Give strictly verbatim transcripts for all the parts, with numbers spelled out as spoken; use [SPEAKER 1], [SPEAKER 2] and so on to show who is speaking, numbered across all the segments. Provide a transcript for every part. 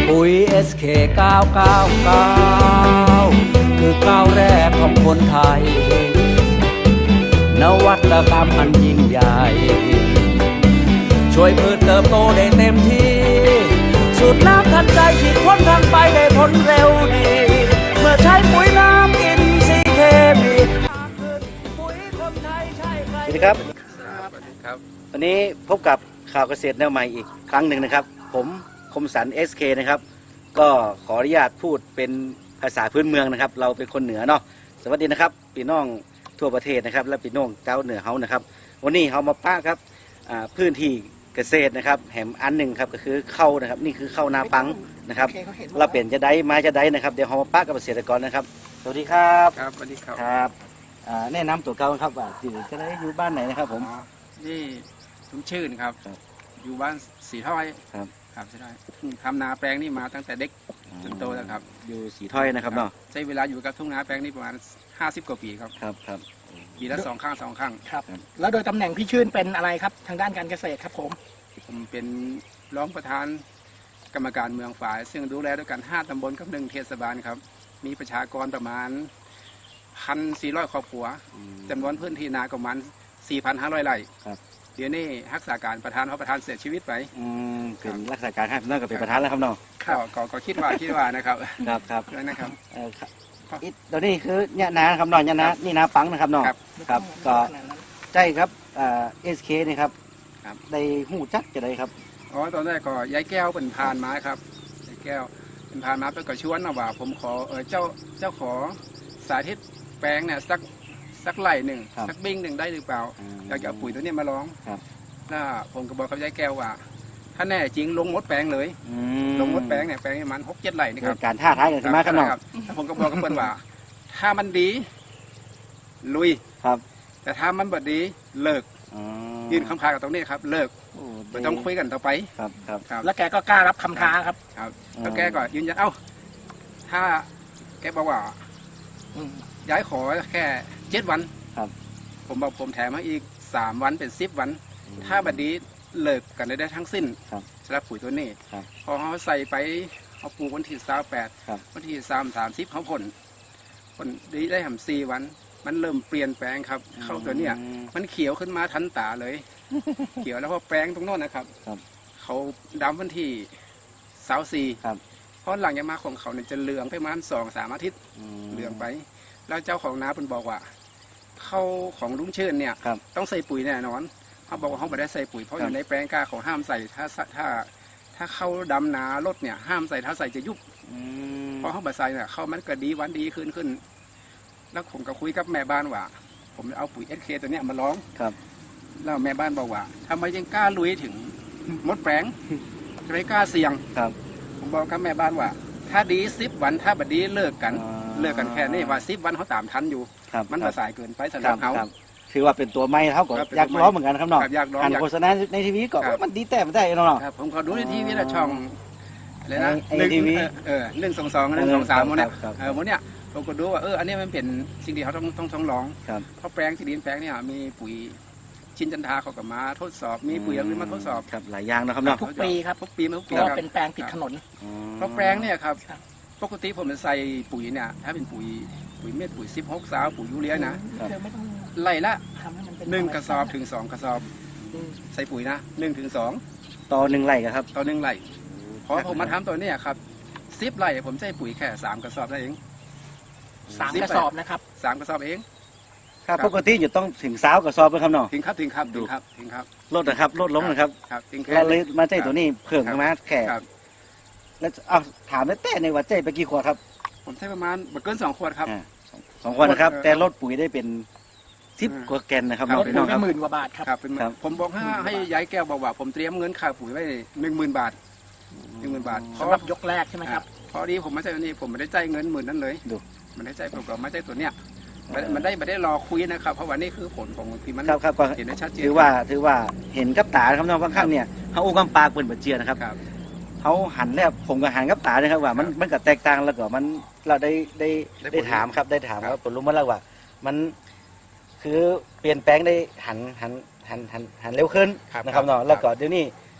[SPEAKER 1] ปุ๋ย เอส เค เก้า เก้า เก้า คือก้าวแรกของคนไทยนวัตกรรมอันยิ่งใหญ่ช่วยพืชเติบโตได้เต็มที่สูตรน้ำทันใจฉีดพ่นทางไปได้ผลเร็วดีเมื่อใช้ปุ๋ยน้ำอินทรีย์เคมีปุ๋ยคนไทยใช่ใคร
[SPEAKER 2] สวัสดีครับ
[SPEAKER 3] สวัสดีครับ
[SPEAKER 2] วันนี้พบกับข่าวเกษตรแนวใหม่อีกครั้งหนึ่งนะครับผมคมสัน เอส เค นะครับก็ขออนุญาตพูดเป็นภาษาพื้นเมืองนะครับเราเป็นคนเหนือเนาะสวัสดีนะครับพี่น้องทั่วประเทศนะครับและพี่น้องเจ้าเหนือเฮานะครับวันนี้เรามาป้าครับพื้นที่เกษตรนะครับแหมอันหนึ่งครับก็คือข้าวนะครับนี่คือข้าวนาปังนะครับเราเปลี่ยนจะได้มาจะได้นะครับเดี๋ยวเรามาป้ากับเกษตรกรนะครับสวัสดีครับ
[SPEAKER 3] ครับสวัสดีครับ
[SPEAKER 2] ครับแนะนำตัวเก่าครับว่าอยู่จะได้อยู่บ้านไหนนะครับผม
[SPEAKER 3] อ๋อนี่ผมชื่นครับ
[SPEAKER 2] ครับ
[SPEAKER 3] อยู่บ้านสีถ้อย
[SPEAKER 2] ครับ
[SPEAKER 3] ครับสีถ้อยทำนาแปลงนี่มาตั้งแต่เด็กจนโตแล้วครับ
[SPEAKER 2] อยู่สีถ้อยนะครับเนาะ
[SPEAKER 3] ใช้เวลาอยู่กับทุ่งนาแปลงนี่ประมาณห้าสิบกว่าปีครับ
[SPEAKER 2] ครับครับ
[SPEAKER 3] ปีละสองครั้งสองครั้ง
[SPEAKER 4] ครับแล้วโดยตำแหน่งพี่ชื่นเป็นอะไรครับทางด้านการเกษตรครับผม
[SPEAKER 3] ผมเป็นรองประธานกรรมการเมืองฝ่าย ซึ่งดูแลด้วยกันห้าตำบลกับหนึ่งเทศบาลครับมีประชากรประมาณพันสี่ร้อยครอบครัวจำนวนพื้นที่นาประมาณสี่พันห้าร้อยไร่
[SPEAKER 2] ครับ
[SPEAKER 3] เดี๋ยวนี้รักษาการประธานเพราะประธานเสียชีวิตไป
[SPEAKER 2] อืมเป็นรักษาการให้พี่น้องกับเป็นประธานแล้วครับเนาะ
[SPEAKER 3] ก็ก็ก็คิดว่าคิดว่านะครับ
[SPEAKER 2] ครับครับ
[SPEAKER 3] นะครับ
[SPEAKER 2] เออครับอีกเดี๋ยวนี้คือเนี่ยนานะครับเนาะเนี่ยนานี่นาปังนะครับเนาะ
[SPEAKER 3] ครับ
[SPEAKER 2] ครับก็ใช่ครับเอ่อสเคนี่ครับ
[SPEAKER 3] ครับ
[SPEAKER 2] ได้หูจักจะได้ครับ
[SPEAKER 3] อ๋อตอนแรกก็ยายแก้วเป็นพานมาครับยายแก้วเป็นพานมาไปก็ชวนนะว่า ผมขอเออเจ้าเจ้าขอสาธิตแปลงเนี่ยสักสักไร่หนึ่ง
[SPEAKER 2] ครับ
[SPEAKER 3] สักบิ้งหนึ่งได้หรือเปล่า
[SPEAKER 2] อืม
[SPEAKER 3] อยากจะเอาปุ๋ยตัวเนี้ยมาลอง
[SPEAKER 2] ครับ
[SPEAKER 3] แล้วผมก็บอกกับยายแก้วว่า ถ้าแน่จริงลงมดแปลงเลย
[SPEAKER 2] อื
[SPEAKER 3] ลงมดแปลงเนี่ยแปลงประมันหกเจ็ดไร่นี่ค
[SPEAKER 2] เกิ
[SPEAKER 3] รั
[SPEAKER 2] ด
[SPEAKER 3] บ
[SPEAKER 2] การท่าท้ายกันขึ้นมาครับเนาะ
[SPEAKER 3] ครับแล้วผมก็บอกกับเพื่อนว่า ถ้ามันดี ลุย
[SPEAKER 2] ครับ
[SPEAKER 3] แต่ถ้ามันบดดีเลิก
[SPEAKER 2] อ๋อ
[SPEAKER 3] ยืนคำคากับตรงนี้ครับ เลิก
[SPEAKER 2] โอ้
[SPEAKER 3] ไม่ต้องคุยกันต่อไป
[SPEAKER 2] ครับครับ
[SPEAKER 3] ครับ
[SPEAKER 4] แล้วแกก็กล้ารับคำท้าครับ
[SPEAKER 3] ครับ
[SPEAKER 2] อืม
[SPEAKER 3] แล้วแกก็ยืนยันเอ้า ถ้าแกบอกว่า
[SPEAKER 4] อืม
[SPEAKER 3] ย้ายขอแค่เจ็ดวัน
[SPEAKER 2] ครับ
[SPEAKER 3] ผมบอกผมแถมให้อีกสามวันเป็นสิบวัน ถ้าบัดนี้เลิกกันได้ทั้งสิ้น
[SPEAKER 2] ครับ
[SPEAKER 3] สำหรับปุ๋ยตัวนี้
[SPEAKER 2] ครับ
[SPEAKER 3] พอเขาใส่ไปเขาปลูกวันที่สามแปด
[SPEAKER 2] ครับ
[SPEAKER 3] วันที่สามสามสิบเขาผลผลดีได้ทำสี่วัน มันเริ่มเปลี่ยนแปลงครับ เข้าตัวเนี้ย
[SPEAKER 2] อืม
[SPEAKER 3] มันเขียวขึ้นมาทันตาเลย เขียวแล้วพอแปลงตรงโน้นนะครับ
[SPEAKER 2] ครับ
[SPEAKER 3] เขาดำวันที่เสาร์สี่
[SPEAKER 2] ครับ
[SPEAKER 3] เพราะหลังจากมาของเขาเนี่ยจะเหลืองไปประมาณสองสามอาทิตย์
[SPEAKER 2] ม
[SPEAKER 3] เหลืองไป แล้วเจ้าของนาเป็นบอกว่า เข้าของลุงเชิญเนี่ย
[SPEAKER 2] ครับ
[SPEAKER 3] ต้องใส่ปุ๋ยแน่นอนเขาบอกว่าเขาไม่ได้ใส่ปุ๋ยเพราะ
[SPEAKER 2] ค
[SPEAKER 3] อ
[SPEAKER 2] รับ
[SPEAKER 3] ยู่ในแปลงกล้าเขาห้ามใส่ถ้าถ้า ถ้าเข้าดำนารถเนี่ยห้ามใส่ถ้าใส่จะยุบ
[SPEAKER 2] อืม
[SPEAKER 3] เพราะเขาบาใส่เนี่ยเข้ามันก็ดีวันดีขึ้นขึ้น แล้วผมก็คุยกับแม่บ้านว่า ผมเอาปุ๋ยเอสเคตัวเนี้ยมาลอง
[SPEAKER 2] ครับ
[SPEAKER 3] แล้วแม่บ้านบอกว่าทำไมยังกล้าลุยถึงมดแปลงทำไมกล้าเสี่ยง
[SPEAKER 2] ครับ
[SPEAKER 3] ผมบอกกับแม่บ้านว่า ถ้าดีสิบวันถ้าบัดดีเลิกกัน
[SPEAKER 2] อ่า
[SPEAKER 3] เลิกกันแค่นี้ว่าสิบวันเขาตามทันอยู่
[SPEAKER 2] ครับ
[SPEAKER 3] มัน
[SPEAKER 2] ครั
[SPEAKER 3] มา
[SPEAKER 2] บ
[SPEAKER 3] สายเกินไปสำห
[SPEAKER 2] ค
[SPEAKER 3] รั
[SPEAKER 2] รั
[SPEAKER 3] บบ เขา
[SPEAKER 2] ครับถือว่าเป็นตัวไม้เท่ากับ
[SPEAKER 3] ครับเป็น
[SPEAKER 2] อยาก
[SPEAKER 3] ตัวไม้
[SPEAKER 2] ร้องเหมือนกันครับเนาะ
[SPEAKER 3] ครับอยากร้อง
[SPEAKER 2] อ่าน
[SPEAKER 3] อยาก
[SPEAKER 2] โฆษณาในทีวีก็
[SPEAKER 3] ครับ
[SPEAKER 2] มันดีแต่ไม่ได้เนาะ
[SPEAKER 3] ครับผมขอดูในทีวีละช่องอะไรนะ
[SPEAKER 2] ไอ้
[SPEAKER 3] หนึ่ง
[SPEAKER 2] ทีวี
[SPEAKER 3] เออเออหนึ่งสองสองหนึ่งสองสาม
[SPEAKER 2] ครับ
[SPEAKER 3] มันเนี่ย
[SPEAKER 2] ครับ
[SPEAKER 3] เออมันเนี่ยผมก็ดูว่าเอออันนี้มันเป็นสิ่งที่เขาต้องต้องต้องลอง
[SPEAKER 2] ครับ
[SPEAKER 3] เพราะแปลงที่ดินแปลงเนี่ยมีปุ๋ยชินจันทาเขากับมาทดสอบ มีปุ๋ยอะไรมาทดสอบ
[SPEAKER 2] ครับหลายอย่างนะครับเนาะ
[SPEAKER 4] ทุกปีครับ
[SPEAKER 3] ทุกปีมาทุก
[SPEAKER 4] เพ
[SPEAKER 3] ปี
[SPEAKER 4] ราะ
[SPEAKER 3] ค
[SPEAKER 4] ว่า
[SPEAKER 3] รับ
[SPEAKER 4] เป็นแปลงติดถนน
[SPEAKER 2] อ๋อ
[SPEAKER 3] เพราะแปลงเนี่ยครับ
[SPEAKER 4] ครับ
[SPEAKER 3] ปกติผมจะใส่ปุ๋ยเนี่ยถ้าเป็นปุ๋ยปุ๋ยเม็ดปุ๋ยสิบหกสาวปุ๋ยยูเรียนะ
[SPEAKER 4] เธอไม่ต้อง
[SPEAKER 3] ไล่ละ
[SPEAKER 4] ทำให้มันเป็น
[SPEAKER 3] หนึ่งกระสอบถึงสองกระสอบ
[SPEAKER 4] อืม
[SPEAKER 3] ใส่ปุ๋ยนะหนึ่งถึงสอง
[SPEAKER 2] ต่อหนึ่งไร่ครับ
[SPEAKER 3] ต่อหนึ่งไร่พอผมมาทำตัวเนี้ครับสิบไร่ผมใช้ปุ๋ยแค่สามกระสอบเท่านั้นเอง
[SPEAKER 4] สามกระสอบนะครับ
[SPEAKER 3] สามกระสอบเอง
[SPEAKER 2] ครับปกติอยู่ต้องถึงสาวกับซอบนะครับเนาะ
[SPEAKER 3] ถึงครับถึงครับถึงครับถึงครับ
[SPEAKER 2] ลดนะครับลดลงนะครับ
[SPEAKER 3] ครับถึงแค่
[SPEAKER 2] เราเลยมาใจตัวนี้เพิ่มขึ้นมาแค่
[SPEAKER 3] ครับ
[SPEAKER 2] แล้วเอาถามได้แต่ในว่าใจไปกี่ขวดครับ
[SPEAKER 3] ผมใช้ประมาณบ่เกินสองขวดครับ
[SPEAKER 2] อ่าสองสองขวดนะครับ
[SPEAKER 3] เออ
[SPEAKER 2] แต่ลดปุ๋ยได้เป็นสิบ
[SPEAKER 3] อืม
[SPEAKER 2] กว่าแกนนะครับ
[SPEAKER 3] ครับ
[SPEAKER 4] ลด
[SPEAKER 2] พี่
[SPEAKER 4] ปุ๋
[SPEAKER 2] น้อย ง
[SPEAKER 4] ไป
[SPEAKER 2] ครับ
[SPEAKER 4] หมื่นกว่าบาทครับ
[SPEAKER 3] ครับเป็น
[SPEAKER 2] ครับ
[SPEAKER 3] ผมบอกให้ให้ยายแก้วบอกว่า ผมเตรียมเงินค่าปุ๋ยไว้หนึ่งหมื่นบาทหนึ่งหมื่นบาทเพ
[SPEAKER 4] สำ
[SPEAKER 3] ราะ
[SPEAKER 4] หรับยกแรกใช่ไหมครับ
[SPEAKER 3] พอดีผมไม่ใช่ตัวนี้ผมไม่ได้จ่ายเงินหมื่นนั้นเลย
[SPEAKER 2] ดู
[SPEAKER 3] มันได้จ่ายผมก็ไม่ใช่ตัวเนี้ยมันมันได้ไม่ได้รอคุยนะครับ เพราะว่านี่คือผลของที่มัน
[SPEAKER 2] ครับครับก็
[SPEAKER 3] เห็นได้ชัดเจน
[SPEAKER 2] ถือว่าถือว่าเห็นกับตานะครับเนาะบางครั้งเนี่ยเขาอู้กำปากเปิดบัดเจียนะครับ
[SPEAKER 3] ครับ
[SPEAKER 2] เขาหันแล้วผมก็หันกับตาเลยครับว่ามัน
[SPEAKER 3] ครับ
[SPEAKER 2] มันก็แตกต่างแล้วก็มันเราได้ได้
[SPEAKER 3] ได้ผล
[SPEAKER 2] ได้ถามครับได้ถาม
[SPEAKER 3] ครับ
[SPEAKER 2] ว่าผลรู้มาแล้วว่า มันคือเปลี่ยนแปลงได้หันหันหันหันหันเร็วขึ้นนะครับเนาะแล้วก็เดี๋ยวนี้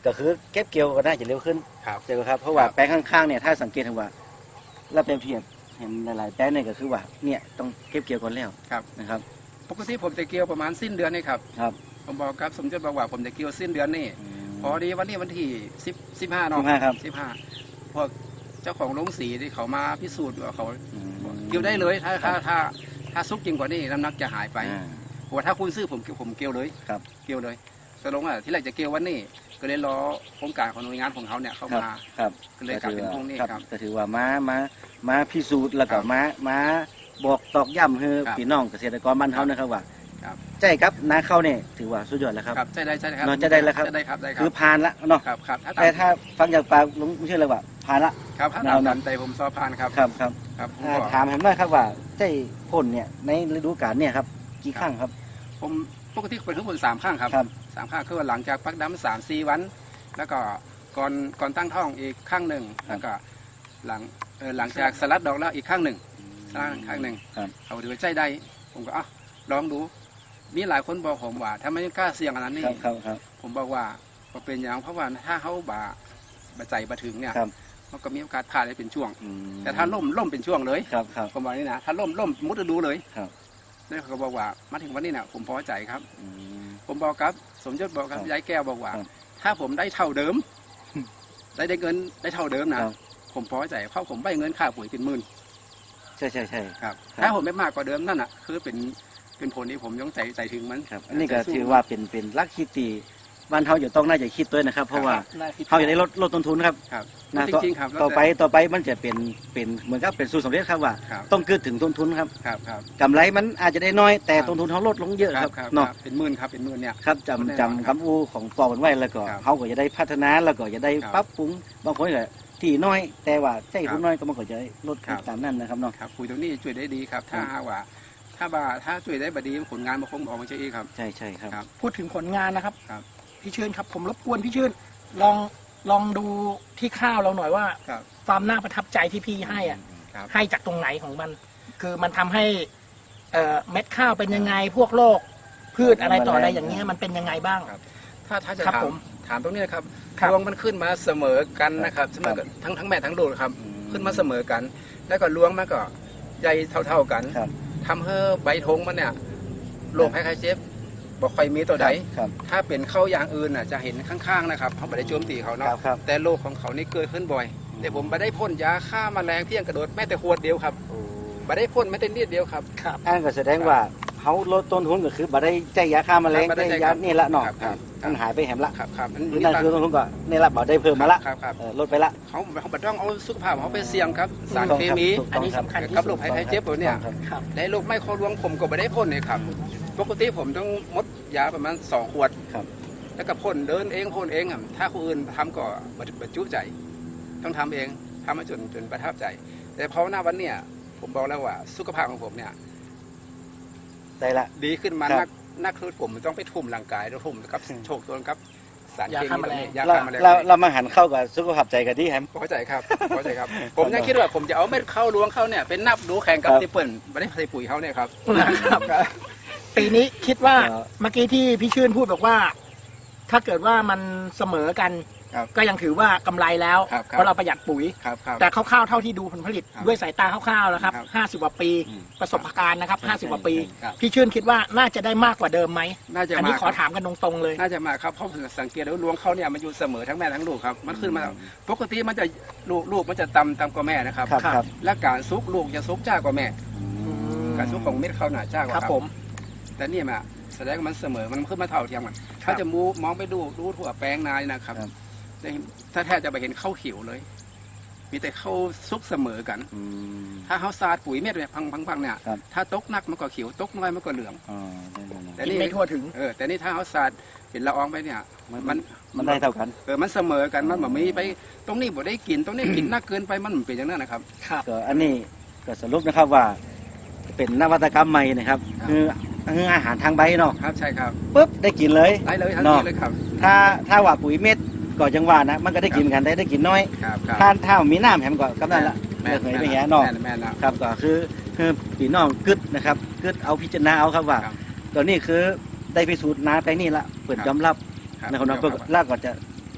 [SPEAKER 2] ก็คือเก็บเกี่ยวก็น่าจะเร็วขึ้น
[SPEAKER 3] ครับ
[SPEAKER 2] ใช่ไหมครับเพราะว่า
[SPEAKER 3] ครับ
[SPEAKER 2] แปลงข้างๆเนี่ยถ้าสังเกตเห็นว่าเราเปรียบเทียบเห็นหลายๆแปลงเนี่ยก็คือว่าเนี่ยต้องเก็บเกี่ยวก่อนแล้ว
[SPEAKER 3] ครับ
[SPEAKER 2] นะครับ
[SPEAKER 3] ปกติผมจะเกี่ยวประมาณสิ้นเดือนนี่ครับ
[SPEAKER 2] ครับ
[SPEAKER 3] ผมบอกครับสมยศบอกว่าผมจะเกี่ยวสิ้นเดือนนี่พอดีวันนี้วันที่สิบสิบห้าเนาะ
[SPEAKER 2] สิบห้าครับ
[SPEAKER 3] สิบห้าพวกเจ้าของโรงสีที่เขามาพิสูจน์ว่าเขา
[SPEAKER 2] อืม
[SPEAKER 3] เกี่ยวได้เลยถ้าถ้าถ้าถ้าซุกจริงกว่านี้น้ำหนักจะหายไป
[SPEAKER 2] อ่า
[SPEAKER 3] เพราะว่าถ้าคุณซื้อผมผมเกี่ยวเลย
[SPEAKER 2] ครับ
[SPEAKER 3] เกี่ยวเลยตกลงว่าที่แรกจะเกี่ยววันนี้ ก็เลยรอโครงการของหน่วยงานของเขาเนี่ยเข้า
[SPEAKER 2] ครับ
[SPEAKER 3] มา
[SPEAKER 2] ครับ
[SPEAKER 3] ก็เลยกลายเป็นพวกนี้ครับ
[SPEAKER 2] ก็ถือว่ามามามาพิสูจน์แล้วก็
[SPEAKER 3] ครับ
[SPEAKER 2] มามาบอกตอกย้ำให้
[SPEAKER 3] ครับ
[SPEAKER 2] พี่น้องเกษตรกรบ้านเฮานะครับว่า
[SPEAKER 3] ครับ
[SPEAKER 2] ใช่ครับนาข้าวเนี่ยถือว่าสุดยอดแล้วครับ
[SPEAKER 3] ครับใช่ได้ใช่ครับ
[SPEAKER 2] เนอะจะได้แล้วครับ
[SPEAKER 3] จะได้ครับได้ครั
[SPEAKER 2] คือบ ผ่านละเนาะ
[SPEAKER 3] ครับครับถ้า
[SPEAKER 2] แต่ถ้าฟังจากปากลุงเชื่อเลยว่าผ่านละ
[SPEAKER 3] ครับถ้า
[SPEAKER 2] แนว
[SPEAKER 3] ตาม
[SPEAKER 2] นั้
[SPEAKER 3] นั้น นใจผมสอบผ่านครับ
[SPEAKER 2] ครับครับ
[SPEAKER 3] ครับผม
[SPEAKER 2] อ่า
[SPEAKER 3] ก็
[SPEAKER 2] ถามเห็นไหมครับว่าใช่พ่นเนี่ยในฤดูกาลเนี่ยครับกี่ครั้งครับ
[SPEAKER 3] ผมปกติเป็นทั้งหมดสามข้างครับ
[SPEAKER 2] ครับ
[SPEAKER 3] สามข้างคือว่าหลังจากพักดำสามสี่วัน แล้วก็ก่อนก่อนตั้งท้องอีกข้างหนึ่งแล้วก็หลังเออหลังจากสลัดดอกแล้วอีกข้างหนึ่งสลัดข้างหนึ่ง
[SPEAKER 2] ครับ
[SPEAKER 3] เอาดูว่าใจได้ผมก็อ่ะลองดู มีหลายคนบอกผมว่าถ้าไม่กล้าเสี่ยงอันนั้นนี่
[SPEAKER 2] ครับครับครับ
[SPEAKER 3] ผมบอกว่าก็เป็นอย่างเพราะว่าถ้าเขาบาบาใจบาถึงเนี่ย
[SPEAKER 2] ครับ
[SPEAKER 3] มันก็มีโอกาสพลาดได้เป็นช่วง
[SPEAKER 2] อืม
[SPEAKER 3] แต่ถ้าล่มล่มเป็นช่วงเลย
[SPEAKER 2] ครับครับ
[SPEAKER 3] ผมบอกนี่นะถ้าล่มล่มมุดฤดูเลย
[SPEAKER 2] ครับ
[SPEAKER 3] แล้วเขาก็บอกว่ามาถึงวันนี้นะผมพอใจครับ
[SPEAKER 2] อืม
[SPEAKER 3] ผมบอกครับ สมยศบอกครับ
[SPEAKER 2] ครับ
[SPEAKER 3] ยายแก้วบอกว่า
[SPEAKER 2] ครับ
[SPEAKER 3] ถ้าผมได้เท่าเดิม ได้ได้เงินได้เท่าเดิมนะครับ ผมพอใจเพราะผมได้เงินค่าปุ๋ยเป็นหมื่น
[SPEAKER 2] ใช่ใช่ใช่
[SPEAKER 3] ครับ
[SPEAKER 2] ครับ
[SPEAKER 3] ถ้าผมไม่มากกว่าเดิมนั่นอ่ะคือเป็นเป็นผลที่ผมย่องใจใจถึงมัน
[SPEAKER 2] ครับอันนี้ก็ถือว่าเป็นเป็นลักคิดตีบ้านเฮาจะต้องน่าจะคิดด้วยนะครับ เพราะว่าเขาจะได้ลดลดต้นทุนครับ
[SPEAKER 3] ครับ
[SPEAKER 2] นะ
[SPEAKER 3] จ
[SPEAKER 2] ต่อ
[SPEAKER 3] ริงๆครับแล้ว
[SPEAKER 2] ต่อไป
[SPEAKER 3] แต่
[SPEAKER 2] ต่อไปมันจะเป็นเป็นเหมือนกับเป็นสูตรสำเร็จครับว่า
[SPEAKER 3] ครับ
[SPEAKER 2] ต้องเกิดถึงต้นทุนครับ
[SPEAKER 3] ครับครับ
[SPEAKER 2] กำไรมันอาจจะได้น้อยแต่
[SPEAKER 3] ครับ
[SPEAKER 2] ต้นทุนเขาลดลงเยอะ
[SPEAKER 3] ค
[SPEAKER 2] ค
[SPEAKER 3] รั
[SPEAKER 2] รั
[SPEAKER 3] บบ ครับ
[SPEAKER 2] เนาะ
[SPEAKER 3] เป็นหมื่นครับเป็นหมื่นเนี่ย
[SPEAKER 2] ครับ
[SPEAKER 3] แน่นอน
[SPEAKER 2] จำจำคำอู้ของปอกันไว้แล้วก็
[SPEAKER 3] ครับ
[SPEAKER 2] เขาก็จะได้พัฒนาแล้วก็จะได้
[SPEAKER 3] ครับ
[SPEAKER 2] ปรับปรุงบางคนก็ที่น้อย แต่ว่าใช้
[SPEAKER 3] ครับ
[SPEAKER 2] ผู้น้อยก็มันก็จะลด
[SPEAKER 3] ครับ
[SPEAKER 2] ตามนั้นนะครับเนาะ
[SPEAKER 3] ครับปุ๋ยตัวนี้ช่วยได้ดีครับ ถ้า
[SPEAKER 2] ครับ
[SPEAKER 3] หากว่า ถ้าว่าถ้าช่วยได้บดีผลงานมันคงออกมาเช่อีกครับ
[SPEAKER 2] ใช่ใช่ครับ
[SPEAKER 3] ครับ
[SPEAKER 4] พูดถึงผลงานนะครับ
[SPEAKER 3] ครับ
[SPEAKER 4] พี่ชื่นครับผมรบกวนพี่ชื่นลองลองดูที่ข้าวเราหน่อยว่า
[SPEAKER 3] ครับ
[SPEAKER 4] ความน่าประทับใจที่พี่ให้อ่ะ
[SPEAKER 3] ครับ
[SPEAKER 4] ให้จากตรงไหนของมัน คือมันทำให้เอ่อเม็ดข้าวเป็นยังไงพวกโรคพืชอะไรต่ออะไรอย่างเงี้ยมันเป็นยังไงบ้าง
[SPEAKER 3] ครับ ถ้าถ้าจะ
[SPEAKER 4] ครับ
[SPEAKER 3] ถาม
[SPEAKER 4] ผม
[SPEAKER 3] ถามตรงนี้นะครับ
[SPEAKER 4] ครับ
[SPEAKER 3] รวงมันขึ้นมาเสมอกันนะครับเสมอกันทั้งทั้งแม่ทั้งลูกครับ
[SPEAKER 2] อืม
[SPEAKER 3] ขึ้นมาเสมอกัน แล้วก็รวงมันก็ใหญ่เท่า ๆกัน
[SPEAKER 2] ครับ
[SPEAKER 3] ทำให้ใบธงมันเนี่ยโรคไข้เจ็บบอกใครมีตัวใด
[SPEAKER 2] ครับ
[SPEAKER 3] ถ้าเป็นเข้าอย่างอื่นน่ะจะเห็นข้างๆนะครับเขาไม่ได้โจมตีเขา
[SPEAKER 2] ครั
[SPEAKER 3] เนาะ
[SPEAKER 2] บครับ
[SPEAKER 3] แต่โรคของเขานี่เกิดขึ้นบ่อย แต่ผมไม่ได้พ่นยาฆ่าแมลงเพียงกระโดดแม้แต่ขวดเดียวครับไม่ได้พ่นแม้แต่นิดเดียวครับ
[SPEAKER 4] ครับ
[SPEAKER 2] อันก็แสดงว่าเขาลดต้นทุนก็คือบ่ได้ใจยาฆ่าแมลง
[SPEAKER 3] ครับบ่ได้
[SPEAKER 2] ใจ
[SPEAKER 3] ใจ
[SPEAKER 2] ยานี่ละเนาะ
[SPEAKER 3] ครับครับ
[SPEAKER 2] มันหายไปแหมละ
[SPEAKER 3] ครับครับ
[SPEAKER 2] หรือนั่นคือต้นทุนก็นี่ละบ่ได้เพิ่มมาละ
[SPEAKER 3] ครับครับ
[SPEAKER 2] เออลดไปละ
[SPEAKER 3] เขาเขาไม่ต้องเอาสุขภาพเขาไปเสี่ยงครับ สารเคมี
[SPEAKER 2] ถูก
[SPEAKER 4] อัน
[SPEAKER 2] ต้อง
[SPEAKER 4] นี้
[SPEAKER 2] ครับ
[SPEAKER 4] สำคัญที่
[SPEAKER 3] กับ
[SPEAKER 4] สุ
[SPEAKER 3] โร
[SPEAKER 4] ด
[SPEAKER 3] คภัยไข้เจ็บตัวเนี่ย
[SPEAKER 2] ครับ
[SPEAKER 4] ครับ
[SPEAKER 3] และโรคไมโครรวงผมก็ไม่ได้พ่นเลยครับ ปกติผมต้องมดยาประมาณสองขวด
[SPEAKER 2] ครับ
[SPEAKER 3] แล้วก็พ่นเดินเองพ่นเองครับถ้าคนอื่นทำก็บรรจุใจ ต้องทำเองทำมาจนจนประทับใจ แต่พอหน้าวันเนี่ยผมบอกแล้วว่าสุขภาพของผมเนี่ย
[SPEAKER 2] ได้ละ
[SPEAKER 3] ดีขึ้นมา
[SPEAKER 2] ครับ
[SPEAKER 3] นักนักคือผมต้องไปทุ่มร่างกายแล้วทุ่มกับ
[SPEAKER 2] อืม
[SPEAKER 3] โชคตัวครับ สาร
[SPEAKER 4] ยา
[SPEAKER 3] เค
[SPEAKER 4] ฆ่า
[SPEAKER 3] มี
[SPEAKER 4] แมลง
[SPEAKER 3] ยา
[SPEAKER 2] เรา
[SPEAKER 3] ฆ่าแมลง
[SPEAKER 2] เราเรามาหันเข้ากับสุขภาพใจกันที่แฮม
[SPEAKER 3] พอใจครับพอใจครับ ผมยังคิดว่าผมจะเอาเม็ดเข้าล้วงเข้าเนี่ยเป็นนับดูแข่งกับ
[SPEAKER 2] ครับ
[SPEAKER 3] ที่เปิ่นไม่ได้ใส่ปุ๋ยเขาเนี่ยครับ
[SPEAKER 4] นะครับปีนี้คิดว่า
[SPEAKER 2] เอ่อ
[SPEAKER 4] เมื่อกี้ที่พี่ชื่นพูดบอกว่า ถ้าเกิดว่ามันเสมอกัน
[SPEAKER 3] ครับ
[SPEAKER 4] ก็ยังถือว่ากำไรแล้ว
[SPEAKER 3] ครับครับ
[SPEAKER 4] เพราะเราประหยัดปุ๋ย
[SPEAKER 3] ครับครับ
[SPEAKER 4] แต่คร่าวๆเท่าที่ดูผลผลิต
[SPEAKER 3] ครับ
[SPEAKER 4] ด้วยสายตาคร่าวๆแล้วครับ
[SPEAKER 3] ครับ
[SPEAKER 4] ห้าสิบกว่าปี
[SPEAKER 2] อืม
[SPEAKER 4] ประสบการณ์นะครับ
[SPEAKER 2] ใช่
[SPEAKER 4] ห้าสิบกว่าปี
[SPEAKER 3] ครับ
[SPEAKER 4] พี่ชื่นคิดว่าน่าจะได้มากกว่าเดิมไหม
[SPEAKER 3] น่าจะ
[SPEAKER 4] อันนี้
[SPEAKER 3] มา
[SPEAKER 4] ขอ
[SPEAKER 3] ครับ
[SPEAKER 4] ถามกันตรงๆเลย
[SPEAKER 3] น่าจะมาครับเพราะผมสังเกตแล้วล้วงเขาเนี่ยมันอยู่เสมอทั้งแม่ทั้งลูกครับมันขึ้นมาปกติมันจะลูกลูกมันจะต่ำต่ำกว่าแม่นะครับ
[SPEAKER 2] ครับครับ
[SPEAKER 3] และการซุกลูกจะซุกจ้ากว่าแม่ การซุกของเม็ดเขาหนาจ้ากว่า
[SPEAKER 4] ครับผม
[SPEAKER 3] แต่นี่มาแสดงว่ามันเสมอมันขึ้นมาเท่าเทียมกันถ้าจะมูมองไปดูดูทั่วแปลงนานี่นะครับ
[SPEAKER 2] ครับ
[SPEAKER 3] จะเห็นถ้าแทบจะไปเห็นข้าวเขียวเลย มีแต่ข้าวซุกเสมอกัน
[SPEAKER 2] อืม
[SPEAKER 3] ถ้าเขาสาดปุ๋ยเม็ดเนี่ยพังพังพังเนี่ย
[SPEAKER 2] ครับ
[SPEAKER 3] ถ้าตกหนักมันก็เขียวตกน้อยมันก็เหลือง
[SPEAKER 2] อ๋อได้ๆ
[SPEAKER 3] แต่
[SPEAKER 4] กิน
[SPEAKER 3] นี่
[SPEAKER 4] ไม่ทั่วถึง
[SPEAKER 3] เออแต่นี่ถ้าเขาสาดเป็นละอองไปเนี่ย
[SPEAKER 2] ๆมัน
[SPEAKER 3] มัน
[SPEAKER 2] มันได้เท่ากัน
[SPEAKER 3] เออมันเสมอกันมันแบบมีไปตรงนี้บ่ได้กินตรงนี้กินนักเกินไปมันเป็นอย่างนั้นนะครับ
[SPEAKER 4] ครับ
[SPEAKER 2] ก็อันนี้ก็สรุปนะครับว่า เป็นนวัตกรรมใหม่นะครับ
[SPEAKER 3] ครับ
[SPEAKER 2] คือคืออาหารทางใบเนาะ
[SPEAKER 3] ครับใช่ครับ
[SPEAKER 2] ปุ๊บได้กินเลย
[SPEAKER 3] ได้เลยทัน
[SPEAKER 2] เนาะ
[SPEAKER 3] ทีเลยครับ
[SPEAKER 2] ถ้าถ้าว่าปุ๋ยเม็ดก็จังว่านะมันก็ได้กินกันได้ได้กินน้อย
[SPEAKER 3] ครับครับ
[SPEAKER 2] ถ้าถ้ามีน้ำแฮมก็กำนันละ
[SPEAKER 3] แม่
[SPEAKER 2] เลิ
[SPEAKER 3] น
[SPEAKER 2] กเหย
[SPEAKER 3] แม่น
[SPEAKER 2] ไปแหเนาะ
[SPEAKER 3] แม่นแม่นแล้ว
[SPEAKER 2] ครับก็คือคือพี่น้องกึดนะครับกึดเอาพิจารณาเอาครับว่า
[SPEAKER 3] ครับ
[SPEAKER 2] ตัวนี้คือได้พิสูจน์นาไปนี่ละเปิด
[SPEAKER 3] ครับ
[SPEAKER 2] ยอมรับ
[SPEAKER 3] ครับ
[SPEAKER 2] นะครับเนาะ
[SPEAKER 3] ครับ
[SPEAKER 2] ลากก็จะ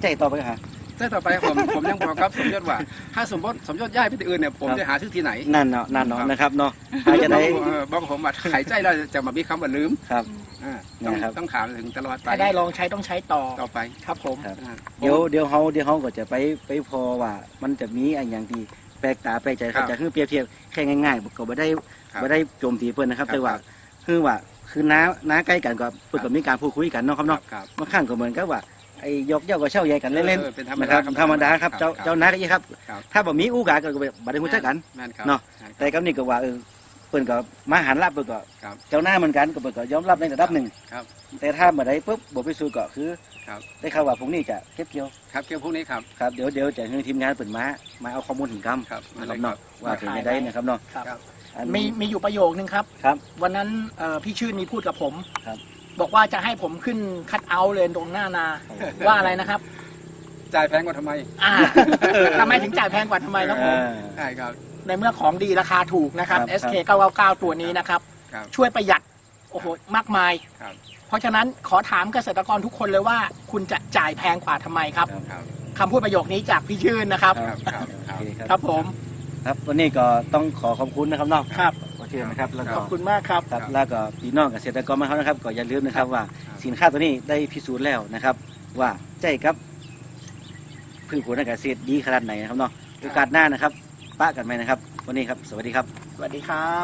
[SPEAKER 2] ใจต่อไปฮะ
[SPEAKER 3] แต่ต่อไปผมผมยังบอกครับสมยศว่า ถ้าสมมติสมยศย้ายไปที่อื่นเนี่ยผมจะหาชื่อที่ไหน
[SPEAKER 2] นั่นเนาะนั่นเนาะนะครับเนาะอาจจะได้
[SPEAKER 3] เออบอกผมว่าหายใจแล้วจะมามีคำว่าลืม
[SPEAKER 2] ครับ
[SPEAKER 3] อ่าต้อง
[SPEAKER 2] นะครับ
[SPEAKER 3] ต้องถามถึงตลอดไป
[SPEAKER 4] ถ้าได้ลองใช้ต้องใช้ต่อ
[SPEAKER 3] ต่อไป
[SPEAKER 4] ครับผม
[SPEAKER 2] ครับ
[SPEAKER 3] อ่า
[SPEAKER 2] เดี๋ยวเดี๋ยวเขาเดี๋ยวเขาก็จะไปไปพอว่ามันจะมีอะไรอย่างที่แปลกตาแปลกใจครับจะคือเปรียบเทียบแค่ง่ายๆก็ไม่ได้ไม่ได้โจมตีเพื่อนนะครับแต่ว่าคือว่าคือน้าน้าใกล้กันก็เพื่อนก็มีการพูดคุยกันเนาะครับเนาะ
[SPEAKER 3] ครับ
[SPEAKER 2] บางครั้งก็เหมือนกับว่าไอ้ยกเย้าก็เช่าใหญ่กันเล่น
[SPEAKER 3] ออเป็นธรร
[SPEAKER 2] ๆ
[SPEAKER 3] ม
[SPEAKER 2] นะค
[SPEAKER 3] ดา
[SPEAKER 2] รับธรรมดาครับเจ้าเจ้าน้าก็ยี่ครับ
[SPEAKER 3] ครับ
[SPEAKER 2] ถ้าบ่มีอู้กาก็บ่ได้รู้จักกัน
[SPEAKER 3] แม่นครับ
[SPEAKER 2] เนาะ
[SPEAKER 3] แม่นครับ
[SPEAKER 2] แต่กับนี่ก็ว่าเออเพิ่นก็มาหันรับเพิ่นก็
[SPEAKER 3] ครับ
[SPEAKER 2] เจ้าหน้าเหมือนกันก็เพิ่นก็ยอมรับในระดับหนึ่ง
[SPEAKER 3] ครับ
[SPEAKER 2] แต่ถ้าบ่ได้ปุ๊บบ่ไปสู่ก็คือ
[SPEAKER 3] ครับ
[SPEAKER 2] ได้ข่าวว่าพรุ่งนี้จะเก็บเกี่ยว
[SPEAKER 3] ครับเกี่ยวพวกนี้ครับ
[SPEAKER 2] ครับเดี๋ยวเดี๋ยวจะให้ทีมงานเปิดมามาเอาข้อมูลถึงกรรม
[SPEAKER 3] ครับ
[SPEAKER 2] นะครับเนาะว่าเป็นไปได้นะครับเนาะ
[SPEAKER 4] ครับ
[SPEAKER 3] ครับ
[SPEAKER 2] อัน
[SPEAKER 4] มีมีอยู่ประโยคนึงครับ
[SPEAKER 2] ครับ
[SPEAKER 4] วันนั้นเอ่อพี่ชื่นมีพูดกับผม
[SPEAKER 2] ครับ
[SPEAKER 4] บอกว่าจะให้ผมขึ้นคัดเอาท์เลยตรงหน้านา ว่าอะไรนะครับ
[SPEAKER 3] จ่ายแพงกว่าทำไม
[SPEAKER 4] อ่าทำไมถึงจ่ายแพงกว่าทำไมครับผม
[SPEAKER 2] อ่า
[SPEAKER 3] ใช่ครับ
[SPEAKER 4] ในเมื่อของดีราคาถูกนะครับ
[SPEAKER 2] ครับ
[SPEAKER 4] เอส เค เก้าเก้าเก้า ตัวนี้นะครับ
[SPEAKER 3] ครับ
[SPEAKER 4] ช่วยประหยัดโอ้โหมากมาย
[SPEAKER 3] ครับ
[SPEAKER 4] เพราะฉะนั้นขอถามเกษตรกรทุกคนเลยว่า คุณจะจ่ายแพงกว่าทำไมครับ
[SPEAKER 3] ครับ
[SPEAKER 4] คำพูดประโยคนี้จากพี่ชื่นนะครับ
[SPEAKER 3] ครับครับค
[SPEAKER 2] โอ
[SPEAKER 3] รับ
[SPEAKER 2] เคครับ
[SPEAKER 4] ครับผม
[SPEAKER 2] ครับวันนี้ก็ต้องขอขอบคุณนะครับเนาะ
[SPEAKER 4] ครับ
[SPEAKER 2] ขอเชิญนะครับแล้ว
[SPEAKER 4] ข
[SPEAKER 2] ก็
[SPEAKER 4] อบคุณมากครับ
[SPEAKER 2] ครับแล้วก็พี่น้องเกษตรกรมาเขานะครับก็อย่าลืมนะครับว่าสินค้าตัวนี้ได้พิสูจน์แล้วนะครับ ว่าใจครับพืชผลทางการเกษตรดีขนาดไหนนะครับเนาะโอกาสหน้านะครับป้ากันไหมนะครับ วันนี้ครับสวัสดีครับ
[SPEAKER 4] สวัสดีครับ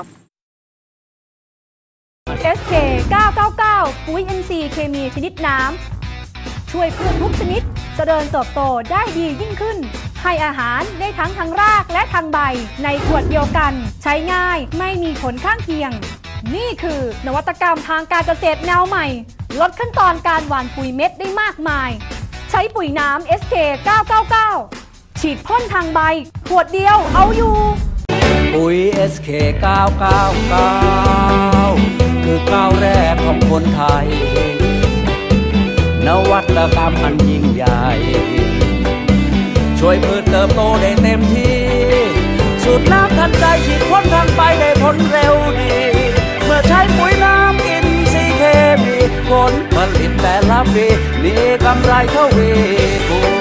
[SPEAKER 5] เอส เค เก้าเก้าเก้า ปุ๋ย เอ็น ซี เคมีชนิดน้ำ ช่วยพืชทุกชนิดเจริญเติบโตได้ดียิ่งขึ้น ให้อาหารได้ทั้งทางรากและทางใบ ในขวดเดียวกัน ใช้ง่ายไม่มีผลข้างเคียง นี่คือนวัตกรรมทางการเกษตรแนวใหม่ ลดขั้นตอนการหว่านปุ๋ยเม็ดได้มากมาย ใช้ปุ๋ยน้ำ เอส เค เก้าเก้าเก้า ฉีดพ่นทางใบ ขวดเดียวเอาอยู่
[SPEAKER 1] ปุ๋ย เอส เค เก้าเก้าเก้า คือก้าวแรกของคนไทย นวัตกรรมอันยิ่งใหญ่ ช่วยพืชเติบโตได้เต็มที่ สูตรน้ำทันใจฉีดพ่นทางไปได้ผลเร็วดี เมื่อใช้ปุ๋ยน้ำอินทรีย์เคมีผลผลิตแต่ละปีมีกำไรเท่าวีคูณ